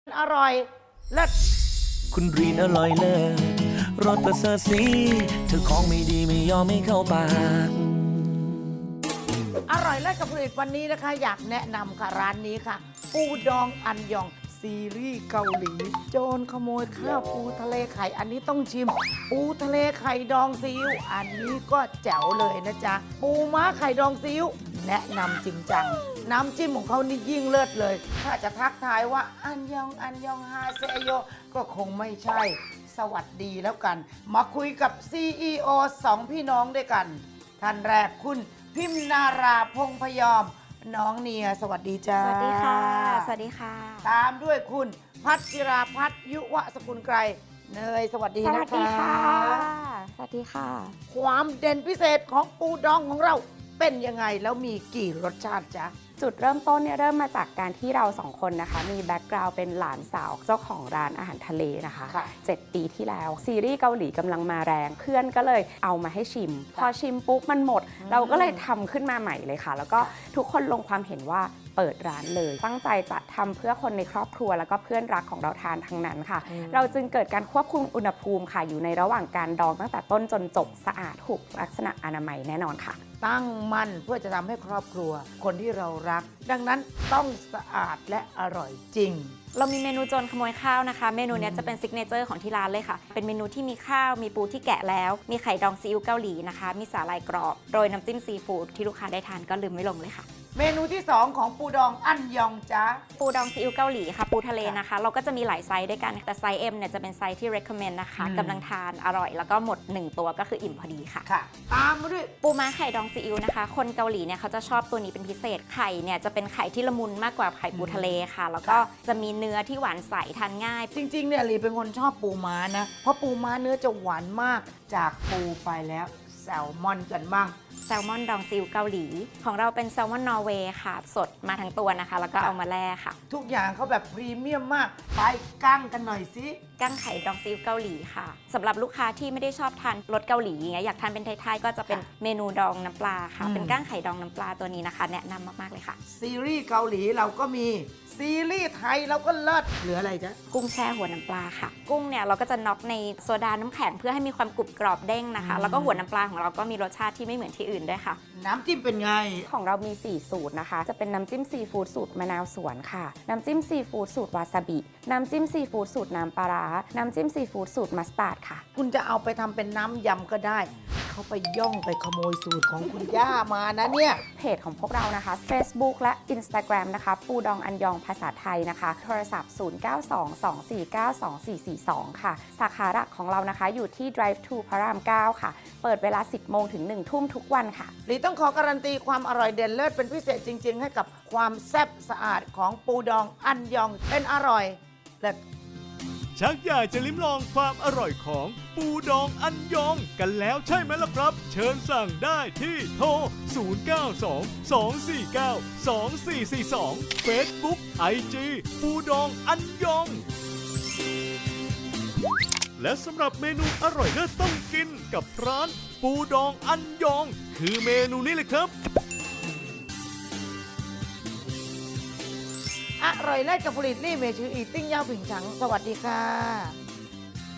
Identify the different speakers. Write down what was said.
Speaker 1: อร่อยเลิศ
Speaker 2: คุณรีนอร่อยเลิศรสประเสริฐสีเธอของไม่ดีไม่ยอมไม่เข้าปาก
Speaker 1: อร่อยเลิศกับผลิตวันนี้นะคะ อยากแนะนำค่ะร้านนี้ค่ะ ปูดองอันยองซีรีส์เกาหลี โจรขโมยข้าวปูทะเลไข่อันนี้ต้องชิม ปูทะเลไข่ดองซีอิ๊วอันนี้ก็แจ๋วเลยนะจ๊ะปูม้าไข่ดองซีอิ๊วแนะนำจริงจังน้ำจิ้มของเขานี่ยิ่งเลิศเลย ถ้าจะทักทายว่าอันยองฮาเซโยก็คงไม่ใช่สวัสดีแล้วกัน มาคุยกับ CEO 2 พี่น้องด้วยกัน ท่านแรกคุณพิมนาราพงพยอม น้องเนียสวัสดีจ้า
Speaker 3: สวัสดีค่ะ สวัสดีค่ะ
Speaker 1: ตามด้วยคุณพัชราพัฒน์ยุวสกุลไกรเนยสวัสดี
Speaker 3: ส
Speaker 1: นะคะ
Speaker 3: วัสดีค่ะ สวัสดีค่ะ
Speaker 1: ความเด่นพิเศษของปูดองของเราเป็นยังไงแล้วมีกี่รสชาติจ๊ะ
Speaker 3: จุดเริ่มต้นเนี่ยเริ่มมาจากการที่เราสองคนนะคะ มีแบ็กกราวด์เป็นหลานสาวเจ้าของร้านอาหารทะเลนะคะ
Speaker 1: ค่ะ
Speaker 3: 7 ปีที่แล้วซีรีส์เกาหลีกำลังมาแรงเพื่อนก็เลยเอามาให้ชิม พอชิมปุ๊บมันหมด เราก็เลยทำขึ้นมาใหม่เลยค่ะ แล้วก็ทุกคนลงความเห็นว่าเปิดร้านเลย ตั้งใจจะทำเพื่อคนในครอบครัวแล้วก็เพื่อนรักของเราทานทั้งนั้นค่ะ เราจึงเกิดการควบคุมอุณหภูมิค่ะอยู่ในระหว่างการดองตั้งแต่ต้นจนจบสะอาดถูกลักษณะอนามัยแน่นอนค่ะ
Speaker 1: ตั้งมั่นเพื่อจะทำให้ครอบครัว คนที่เรารัก ดังนั้นต้องสะอาดและอร่อยจริง
Speaker 3: เรามีเมนูโจรขโมยข้าวนะคะ เมนูเนี้ยจะเป็นซิกเนเจอร์ของที่ร้านเลยค่ะ เป็นเมนูที่มีข้าว มีปูที่แกะแล้ว มีไข่ดองซีอิ๊วเกาหลีนะคะ มีสาหร่ายกรอบโรยน้ำจิ้มซีฟู้ดที่ลูกค้าได้ทานก็ลืมไม่ลงเลยค่ะ
Speaker 1: เมนูที่ 2 ของปูดองอันยองจ้า
Speaker 3: ปูดองซีอิ๊วเกาหลีค่ะ ปูทะเลนะคะ เราก็จะมีหลายไซส์ด้วยกัน แต่ไซส์ M เนี่ยจะเป็นไซส์ที่ recommend นะคะกำลังทานอร่อย แล้วก็หมด 1 ตัวก็คืออิ่มพอดีค่ะ
Speaker 1: ค่ะ ตามมาด้วย
Speaker 3: ปูม้าไข่ดองซีอิ๊วนะคะ คนเกาหลีเนี่ยเขาจะชอบตัวนี้เป็นพิเศษ ไข่เนี่ยจะเป็นไข่ที่ละมุนมากกว่าไข่ปูทะเลค่ะ แล้วก็จะมีเนื้อที่หวานใสทานง่าย
Speaker 1: จริงๆเนี่ยลีเป็นคนชอบปูม้านะ เพราะปูม้าเนื้อจะหวานมากจากปูไปแล้วแซลมอนกันบ้าง
Speaker 3: แซลมอนดองซีอิ๊วเกาหลี ของเราเป็นแซลมอนนอร์เวย์ค่ะ สดมาทั้งตัวนะคะ แล้วก็เอามาแล่ค่ะ
Speaker 1: ทุกอย่างเขาแบบพรีเมียมมาก ไปกั้งกันหน่อยสิ
Speaker 3: กั้งไข่ดองซีอิ๊วเกาหลีค่ะสำหรับลูกค้าที่ไม่ได้ชอบทานรสเกาหลีอย่างเงี้ยอยากทานเป็นไทยๆก็จะเป็นเมนูดองน้ำปลาค่ะ เป็นกั้งไข่ดองน้ำปลาตัวนี้นะคะ แนะนำมากๆเลยค่ะ
Speaker 1: ซีรีส์เกาหลีเราก็มี ซีรีส์ไทยเราก็เลิศเหลืออะไรจ๊ะ
Speaker 3: กุ้งแช่หัวน้ำปลาค่ะ กุ้งเนี่ยเราก็จะน็อกในโซดาน้ำแข็งเพื่อให้มีความกรุบกรอบเด้งนะคะ แล้วก็หัวน้ำปลาของเราก็มีรสชาติที่ไม่เหมือนที่อื่นด้วยค่ะ
Speaker 1: น้ำจิ้มเป็นไง
Speaker 3: ของเรามี 4 สูตรนะคะ จะเป็นน้ำจิ้มซีฟู้ดสูตรมะนาวสวนค่ะ น้ำจิ้มซีฟู้ดสูตรวาซาบิ น้ำจิ้มซีฟู้ดสูตรน้ำปลาร้า น้ำจิ้มซีฟู้ดสูตรมัสตาร์ดค่ะ
Speaker 1: คุณจะเอาไปทำเป็นน้ำยำก็ได้ เขาไปย่องไปขโมยสูตรของคุณย่ามานะเนี่ย
Speaker 3: เพจของพวกเรานะคะ Facebook และ Instagram นะคะ ปูดองอันยองภาษาไทยนะคะ โทรศัพท์ 0922492442 ค่ะ สาขาหลักของเรานะคะอยู่ที่ Drive to พระราม 9 ค่ะ เปิดเวลา 10 โมงถึง 1 ทุ่มทุกวันค่ะ
Speaker 1: หลีต้องขอการันตีความอร่อยเด่นเลิศเป็นพิเศษจริง ๆ ให้กับความแซ่บสะอาดของปูดองอันยองเป็นอร่อยเลิศ
Speaker 4: ชักอยากจะลิ้มลองความอร่อยของปูดองอันยองกันแล้วใช่ไหมล่ะครับ เชิญสั่งได้ที่โทร 0922492442 Facebook IG ปูดองอันยอง และสำหรับเมนูอร่อยเลิศต้องกินกับร้านปูดองอันยอง คือเมนูนี้เลยครับ
Speaker 1: อร่อยเลิศกับผลิตลี่เมชืออีติ้งเย่าผิงฉัง สวัสดีค่ะ